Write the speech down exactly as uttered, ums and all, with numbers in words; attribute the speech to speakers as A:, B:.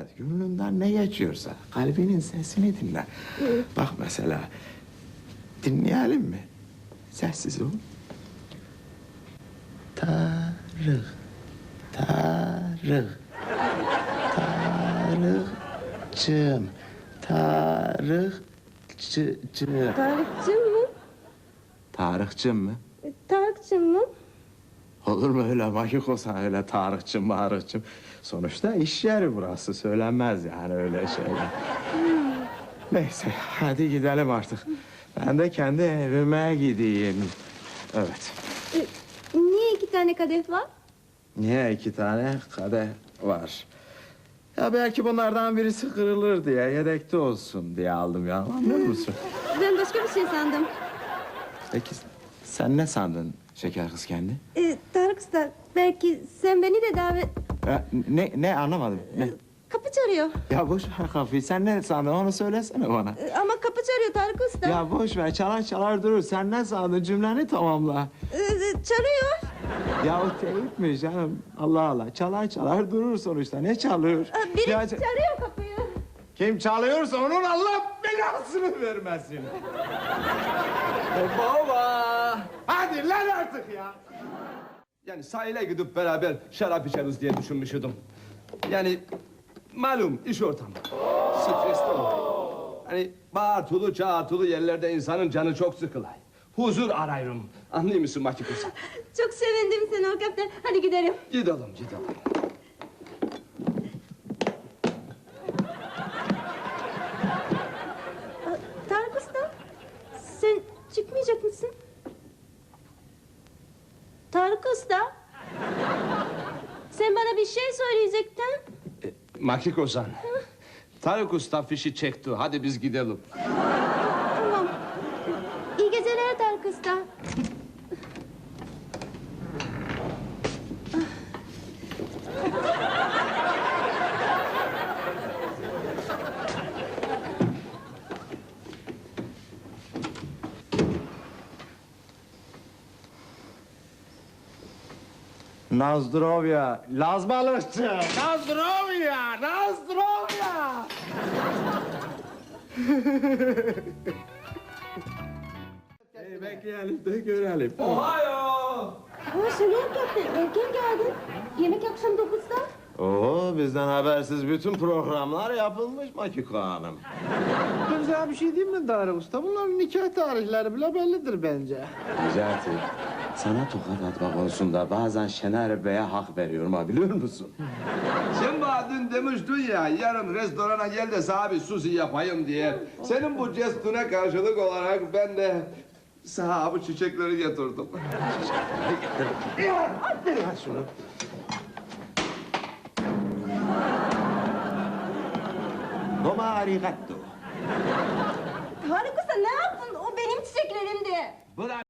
A: et. Gönlünden ne geçiyorsa kalbinin sesini dinle. Bak mesela dinleyelim mi? Sessiz ol. Tarık, Tarık, Tarık'cığım, Tarık'cığım.
B: Tarık'cığım mı?
A: Tarık'cığım mı?
B: E, Tarık'cığım mı?
A: Olur mu öyle vakit olsa öyle Tarık'cığım, Marık'cığım. Sonuçta iş yeri burası, söylenmez yani öyle şeyler. Neyse, hadi gidelim artık. Ben de kendi evime gideyim. Evet.
B: E, niye iki tane kadeh var?
A: Niye iki tane kadeh var? Ya belki bunlardan birisi kırılır diye, yedekte olsun diye aldım ya. Anlıyor musun?
B: Ben başka bir şey sandım.
A: Peki sen ne sandın şeker kız kendi?
B: E, Tarık Usta, belki sen beni de davet...
A: Ya, ne, ne anlamadım. Ne?
B: Kapı çağırıyor.
A: Ya boş ver kafayı. Sen ne sandın onu söylesene bana.
B: E, ama kapı çağırıyor Tarık Usta.
A: Ya boş ver çalar çalar durur. Sen ne sandın cümleni tamamla.
B: E, e, çağırıyor.
A: Ya o teyip canım? Allah Allah. Çalar çalar durur sonuçta. Ne çalıyor?
B: E, biri
A: Ya,
B: çağırıyor kapıyı.
A: kim çalıyorsa onun Allah belasını vermesin.
C: Baba!
A: Hadi lan artık ya.
C: Yani sahile gidip beraber şarap içeriz diye düşünmüştüm. Yani malum iş ortamı. Stresli oluyor. Hani bağırtılı çağırtılı yerlerde insanın canı çok sıkılay. Huzur arıyorum. Anlıyor musun Makikusa?
B: Çok sevindim seni o kaptan. Hadi gidelim.
C: Gidelim gidelim.
B: E, Tarık Usta, sen çıkmayacak mısın? Tarık Usta, sen bana bir şey söyleyecektin.
C: E, Makikusa. Tarık Usta fişi çekti. Hadi biz gidelim.
B: Tamam. İyi geceler Tarık Usta.
A: Nazdrovya, Laz balıkçı. Nazdrovya, Nazdrovya. Hey, bekleyelim de görelim.
C: Ohio!
B: Ama Şener kaptan, erken geldin. Yemek akşam dokuzda.
A: Oo, bizden habersiz bütün programlar yapılmış Makiko Hanım.
D: Ben sana bir şey diyeyim mi Tarık Usta? Bunların nikah tarihleri bile bellidir bence.
A: Necati, sana tokat atmak konusunda bazen Şener Bey'e hak veriyorum ha, biliyor musun?
C: Sen bana dün demiştin ya, yarın restorana gel de sana bir sushi yapayım diye. Senin bu jestine karşılık olarak ben de sana bu çiçekleri getirdim.
A: Ver şunu. Domo arigato.
B: Tarık Usta ne yaptın? O benim çiçeklerimdi.
C: Bırak.